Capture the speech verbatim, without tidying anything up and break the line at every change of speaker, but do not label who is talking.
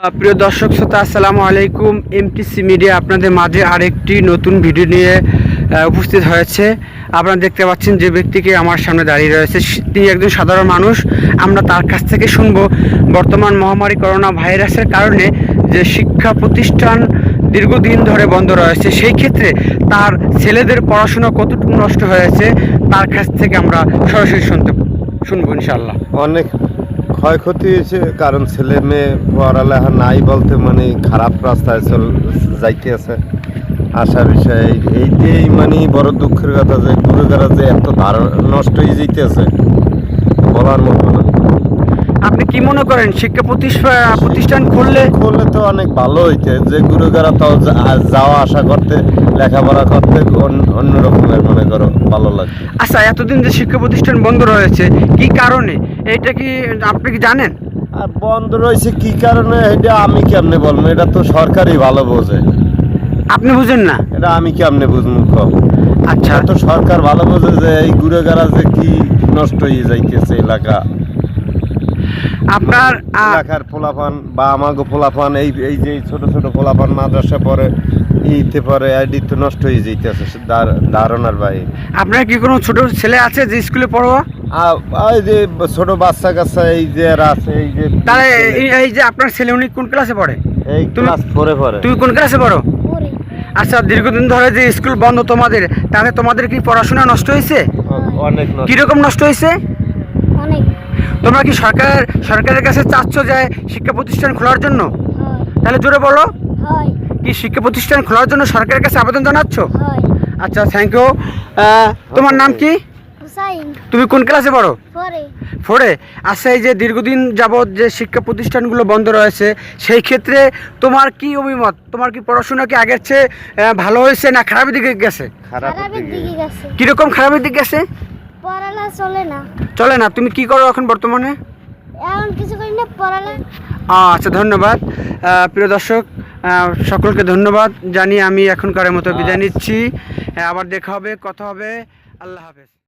প্রিয় দর্শক শ্রোতা, আসসালামু আলাইকুম। এমটিসি মিডিয়া আপনাদের মাঝে আরেকটি নতুন ভিডিও নিয়ে উপস্থিত হয়েছে। আপনারা দেখতে পাচ্ছেন যে ব্যক্তিকে আমার সামনে দাঁড়িয়ে রয়েছে, তিনি একজন সাধারণ মানুষ। আমরা তার কাছ থেকে শুনব বর্তমান মহামারী করোনা ভাইরাসের কারণে যে শিক্ষা প্রতিষ্ঠান দীর্ঘদিন ধরে বন্ধ রয়েছে, সেই ক্ষেত্রে তার ছেলেদের পড়াশোনা কতটুকু নষ্ট হয়েছে তার কাছ থেকে আমরা সরাসরি শুনতে শুনবো ইনশাআল্লাহ।
অনেক ক্ষয়ক্ষতি হয়েছে, কারণ ছেলে মেয়ে পড়ালেখা নাই বলতে মানে খারাপ রাস্তায় চল যাইতে আছে। আশার বিষয় এইটাই মানে বড় দুঃখের কথা যে গুরুগারা যে এত ধার নষ্ট হয়ে যেতেছে বলার মতো না।
আপনি কি মনে করেন শিক্ষা প্রতিষ্ঠান প্রতিষ্ঠান খুললে
খুললে তো অনেক ভালো হইতে, যে গুরুগারা তাও যাওয়া আসা করতে লেখাপড়া করতে অন্য রকমের মনে করো ভালো লাগে।
আচ্ছা, এতদিন যে শিক্ষা প্রতিষ্ঠান বন্ধ রয়েছে কি কারণে, এটা কি আপনি কি জানেন?
আর বন্ধ রয়েছে কি কারণে এটা আমি কেমনে বলবো, এটা তো সরকারই ভালো বোঝে।
আপনি বুঝেন না?
এটা আমি কেমনে বুঝবো?
আচ্ছা,
তো সরকার ভালো বোঝে যে এই গুড়েগাড়া যে কি নষ্ট হয়ে যাইতেছে এলাকা,
আপনার
এলাকার পোলাপান বা আমাগো পোলাপান, এই এই যে ছোট ছোট পোলাপান মাদ্রাসা পরে ইতে পরে আইডি তো নষ্ট হয়ে যাইতেছে ধারণার বাইরে।
আপনার কি কোনো ছোট ছেলে আছে যে স্কুলে পড়ো?
এই যে ছোট বাচ্চা কাচ্চা এই যে আছে, এই যে
তাহলে এই যে আপনার ছেলে উনি কোন ক্লাসে পড়ে?
এই ক্লাস ফোরে পড়ে।
তুমি কোন ক্লাসে পড়ো? আচ্ছা, দীর্ঘদিন ধরে যে স্কুল বন্ধ তোমাদের, তাহলে তোমাদের কি পড়াশোনা নষ্ট হয়েছে?
অনেক।
কিরকম নষ্ট হয়েছে?
অনেক।
তোমরা কি সরকার সরকারের কাছে চাচ্ছ যে শিক্ষা প্রতিষ্ঠান খোলার জন্য? তাহলে জোরে বলো, কি শিক্ষা প্রতিষ্ঠান খোলার জন্য সরকারের কাছে আবেদন জানাচ্ছ? আচ্ছা, থ্যাংক ইউ। তোমার নাম কি? তুমি কোন ক্লাসে পড়ো? ফোরে। আচ্ছা, এই যে দীর্ঘদিন যাবৎ যে শিক্ষা প্রতিষ্ঠানগুলো বন্ধ রয়েছে, সেই ক্ষেত্রে তোমার কি অভিমত? তোমার কি পড়াশোনা কি আগের চেয়ে ভালো হয়েছে না খারাপের দিকে গেছে?
খারাপের দিকে গেছে।
কিরকম খারাপের দিকে গেছে?
পড়ালেখা চলে না।
চলে না? তুমি কি করো এখন বর্তমানে?
এখন কিছু করি না, পড়ালেখা।
আচ্ছা, ধন্যবাদ। প্রিয় দর্শক, সকলকে ধন্যবাদ জানিয়ে আমি এখনকার মতো বিদায় নিচ্ছি। আবার দেখা হবে, কথা হবে। আল্লাহ হাফেজ।